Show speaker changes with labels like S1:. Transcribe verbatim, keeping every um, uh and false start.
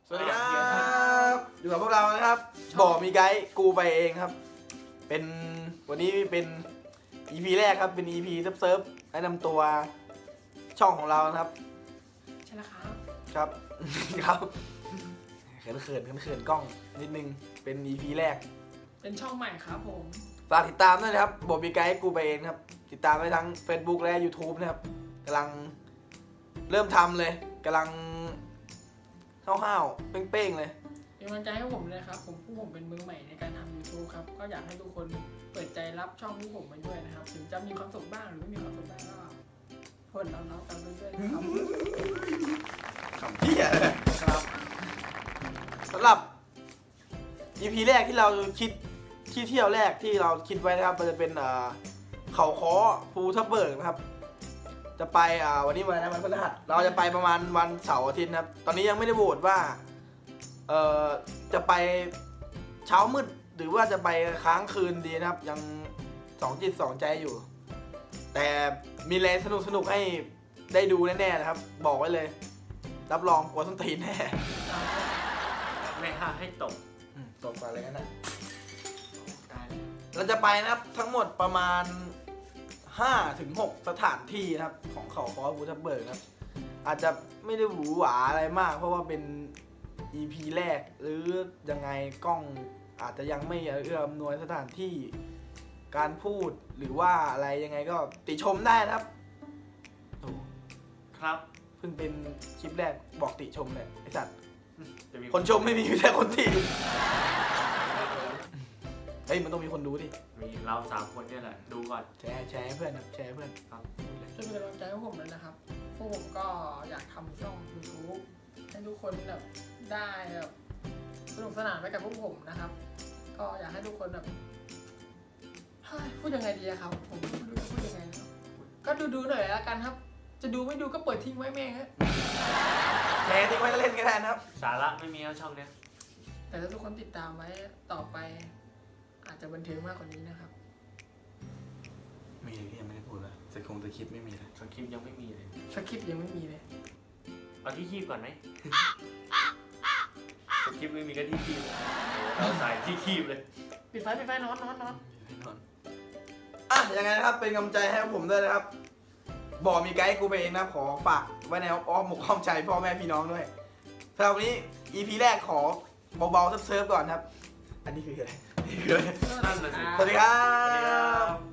S1: สวัสดีครับอยู่กับพวกเรานะครับบอกมีไกด์กูไปเองครับเป็นวันนี้เป็น อี พี แรกครับเป็น อี พี เซิร์ฟเซิร์ฟแนะนำตัวช่องของเรานะครับ
S2: ใช่แล้วครับ
S1: ครับ ครับเขินเขินเขินเขินกล้องนิดนึงเป็น อี พี แรก
S2: เป็นช่องใหม่ครับผม
S1: ฝากติดตามด้วยนะครับบอกมีไกด์กูไปเองครับติดตามได้ทั้ง Facebook และ YouTube นะครับกำลังเริ่มทำเลยกำลังห้าวๆเป้งๆเลย
S2: เป็นกำลังใจให้ผมเลยครับผมผู้ผมเป็นมือใหม่ในการทำ YouTube ครับก็อยากให้ทุกคนเปิดใจรับช่องผู้ผมมาด้วยนะครับถึงจะมีความสุขบ้างหรือไม่มีความสุขบ้างก็ทนน้องๆกันไปด้วยนะครับ
S1: คำเที่ย
S2: ครับ
S1: สำหรับ อี พี แรกที่เราคิดที่เที่ยวแรกที่เราคิดไว้นะครับมันจะเป็นเขาค้อภูทับเบิกนะครับจะไปวันนี้วันอะไรนะวันพฤหัสเราจะไปประมาณวันเสาร์อาทิตย์นะครับตอนนี้ยังไม่ได้โหวตว่าเอ่อจะไปเช้ามืดหรือว่าจะไปค้างคืนดีนะครับยังสองจิตสองใจอยู่ แต่มีอะไรสนุกสนุกให้ได้ดูแน่ๆนะครับบอกไว้เลยรับรองกลัวส้นตีนแน่
S3: ไม่ห้ามให้ตก
S1: ตกอะไรกันนะ
S2: ตายแล้ว
S1: เราจะไปนะครับทั้งหมดประมาณห้าถึงหกสถานที่นะครับของเขาค้อภูทับเบิกนะครับอาจจะไม่ได้หวือหวาอะไรมากเพราะว่าเป็น อี พี แรกหรือยังไงกล้องอาจจะยังไม่เอื้ออำนวยสถานที่การพูดหรือว่าอะไรยังไงก็ติชมได้นะครับโอ้
S3: ครับ
S1: เพิ่งเป็นคลิปแรกบอกติชมเลยไอ้สัตว์
S3: จะมี
S1: คนชมไม่มีแต่คนติเฮ้ยมันต้องมีคนดูดิ
S3: มีเราสามคนเนี่ยแหละดูก่อน
S1: แชร์แชร์ให้เพื่อนครับแชร์ให้เพื่อน
S3: ครับ
S2: ช่วยเป็นกำลังใจให้ผมเลยนะครับพวกผมก็อยากทำช่อง YouTube ให้ทุกคนแบบได้แบบสนุกสนานไปกับพวกผมนะครับ ก็อยากให้ทุกคนแบบเฮ้ยพูดยังไงดีอะครับผมไม่รู้จะพูดยังไงนะครับก็ดูดูๆหน่อยละกันครับ จะดูไม่ดูก็เปิดทิ้งไว้แม่งฮะ
S1: แชร์ทิ้งไว้เล่นก็ได้นะครับ
S3: สาระไม่มีแล้วช่องเนี้ย
S2: แต่ถ้าทุกคนติดตามไว้ต่อไป อาจจะบันเทิงมากกว่านี้นะครับ
S1: มีที่ยังไม่ได้พูดเลยจะคงจะคิดไม่มีเลย
S3: สคริปต์ยังไม่มีเลย
S2: สคริปต์ยังไม่มีเลย
S3: เอาที่คีบก่อนไหม สคริปต์ไม่มีก็ที่คีบเลยเราใส่ที่คีบเลย
S2: ปิดไฟปิดไฟนอนนอนนอน
S1: อ่ะยังไงนะครับเป็นกำลังใจให้ผมด้วยนะครับบอกมีไกด์กูไปเองนะขอฝากไว้ในอ้อมอกอ้อมใจพ่อแม่พี่น้องด้วยสำหรับวันนี้ อี พี แรกขอเบาๆเซิร์ฟๆก่อนครับ อันนี้คืออะไรนี่คืออะไร
S3: นั่นน่ะสิ
S1: สวัสดีครั
S3: สวัสดีครับ บ